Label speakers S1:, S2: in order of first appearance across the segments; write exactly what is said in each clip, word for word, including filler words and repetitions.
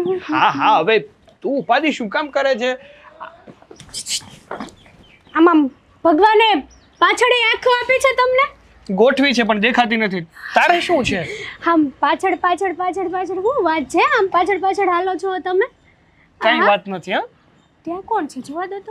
S1: હા હા હવે તું ઉપાધિ શું કામ કરે છે?
S2: આમાં ભગવાને પાછળ આંખો આપી છે તમને?
S1: ગોઠવી છે પણ દેખાતી નથી. તારે શું છે?
S2: આમ પાછળ પાછળ પાછળ પાછળ શું વાત છે? આમ પાછળ પાછળ હાલો છો તમે?
S1: કઈ વાત નથી. હા
S2: ત્યાં કોણ છે? જોવા દો તો.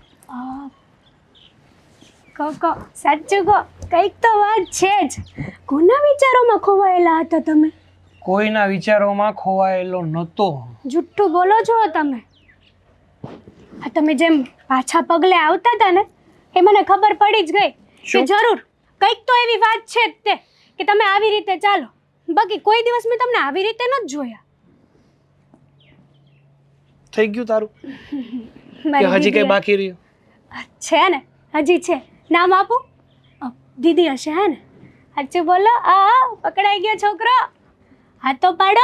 S2: કહો કહો, સાચું કહો, કંઈક તો વાત છે જ. કોના વિચારોમાં ખોવાયેલા હતા તમે?
S1: કોઈના વિચારોમાં ખોવાયેલો નહોતો.
S2: જુઠ્ઠું બોલો છો તમે. આ તમે જેમ પાછા પગલે આવતા હતા ને, એ મને ખબર પડી જ ગઈ કે જરૂર કંઈક તો એવી વાત છે જ તે કે તમે આવી રીતે ચાલો. બાકી કોઈ દિવસ મેં તમને આવી રીતે નથી જોયા.
S1: થઈ ગયું તારું કે હજી કઈ બાકી રહ્યું?
S2: છે ને, હજી છે. નામ આપું? દીદી હશે હે ને? સાચું બોલો. આ પકડાઈ ગયો છોકરો. હાથ તો પાડો.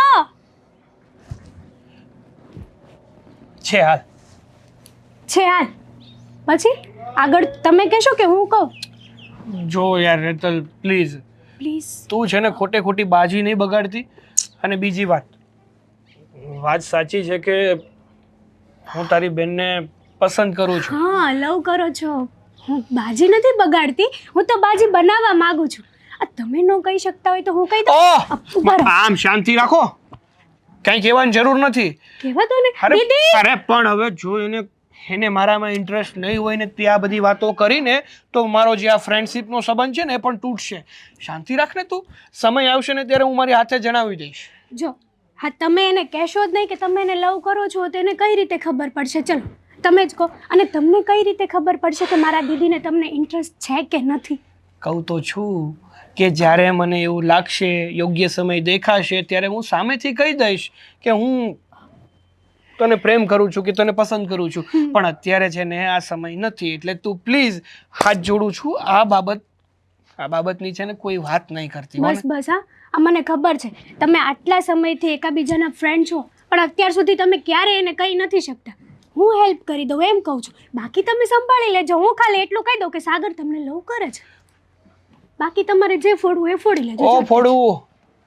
S1: છે હાલ
S2: છે હાલ. પછી આગળ તમે કહેશો કે હું કહું?
S1: જો યાર રેતલ પ્લીઝ
S2: પ્લીઝ.
S1: તું છે ને ખોટે ખોટી બાજી નહીં બગાડતી. અને બીજી વાત વાત સાચી છે કે હું તારી બેનને પસંદ કરું છું.
S2: હા, લવ કરો છો. હું બાજી નથી બગાડતી, હું તો બાજી બનાવવા માંગુ છું. આ તમે ન કહી શકતા હોય તો હું કહી દઉં.
S1: આમ શાંતિ રાખો, કઈ કહેવાની જરૂર નથી.
S2: કહેવા દો ને દીદી.
S1: અરે પણ હવે જો એને એને મારામાં ઇન્ટરેસ્ટ નહીં હોય ને તે આ બધી વાતો કરીને તો મારો જે આ ફ્રેન્ડશિપનો સંબંધ છે ને એ પણ તૂટશે. શાંતિ રાખ ને તું. સમય આવશે ને ત્યારે હું મારી હાથે જણાવી દઈશ.
S2: જો હા, તમે એને કહેશો જ નહીં કે તમે એને લવ કરો છો તો એને કઈ રીતે ખબર પડશે? ચલો તમે જ કહો. અને તમને કઈ રીતે ખબર પડશે કે મારા દીદીને તમને ઇન્ટરેસ્ટ છે કે નથી?
S1: કહું તો છું કે જ્યારે મને એવું લાગશે, યોગ્ય સમય દેખાશે ત્યારે હું સામેથી કહી દઈશ કે હું તને પ્રેમ કરું છું કે તને પસંદ કરું છું. પણ અત્યારે છે ને આ સમય નથી. એટલે તું પ્લીઝ હાથ જોડું છું. આ બાબત આ બાબતની છે ને કોઈ વાત નહીં કરતી.
S2: બસ બસ. હા, આ મને ખબર છે તમે આટલા સમયથી એકાબીજાના ફ્રેન્ડ છો, પણ અત્યાર સુધી તમે ક્યારે એને કહી નથી શકતા. હું હેલ્પ કરી દઉં એમ કહું છું. બાકી તમે સંભાળી લેજો. હું ખાલી એટલું કહી દઉં કે સાગર તમને લવ કરે છે. બાકી તમારે જે ફોડવું એ ફોડી લેજો.
S1: ઓ ફોડવું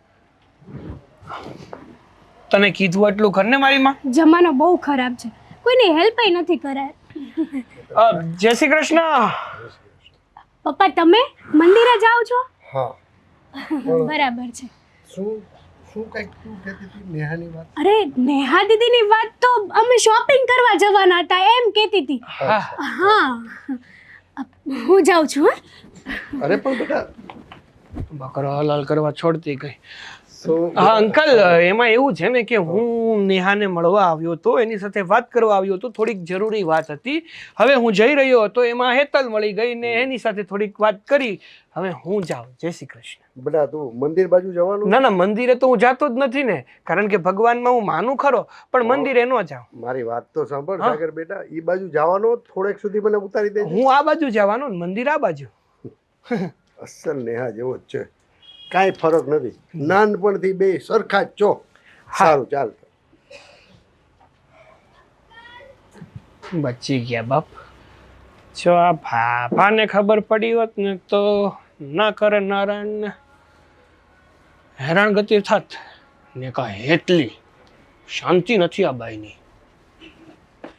S1: તને કીધું એટલું કર ને મારી માં.
S2: જમાનો બહુ ખરાબ છે, કોઈની હેલ્પ નથી કરાય.
S1: જય શ્રી કૃષ્ણ.
S2: પપ્પા તમે મંદિરે જાઓ છો?
S3: હા.
S2: બરાબર છે.
S3: શું શું કઈક તું કહેતી હતી નેહાની વાત?
S2: અરે નેહા દીદીની વાત તો અમે શોપિંગ કરવા જવાના હતા એમ કહેતી હતી. હા, હું જાઉં છું.
S3: અરે પણ બેટા
S1: બકરો હલાલ કરવા છોડતી ગઈ. હા અંકલ, એમાં એવું છે ને કે હું નેહાને મળવા આવ્યો હતો, એની સાથે વાત કરવા આવ્યો હતો. થોડીક જરૂરી વાત હતી. હવે હું જઈ રહ્યો હતો એમાં હેતલ મળી ગઈ ને એની સાથે થોડીક વાત કરી. હવે હું જાઉં. જય શ્રી કૃષ્ણ.
S3: બેટા તું મંદિર બાજુ જવાનું?
S1: ના ના, મંદિરે તો હું જાતો જ નથી ને, કારણ કે ભગવાનમાં હું માનું ખરો, પણ મંદિરે ન જાઉં.
S3: મારી વાત તો સાંભળ સાગર બેટા, ઈ બાજુ જવાનો થોડેક સુધી મને ઉતારી દે.
S1: હું આ બાજુ જવાનો, મંદિર આ બાજુ.
S3: અસલ નેહા જેવો જ છે, કાંઈ ફરક નથી. નાનપણથી બે સરખા જ છો. સારું ચાલ.
S1: બચી ગયા બાપ. જો આ ભાભાને ખબર પડી હોત ને તો ના કરે નારાયણ હેરાનગતિ થાત ને કા હેતલી. શાંતિ નથી આ બાઈની.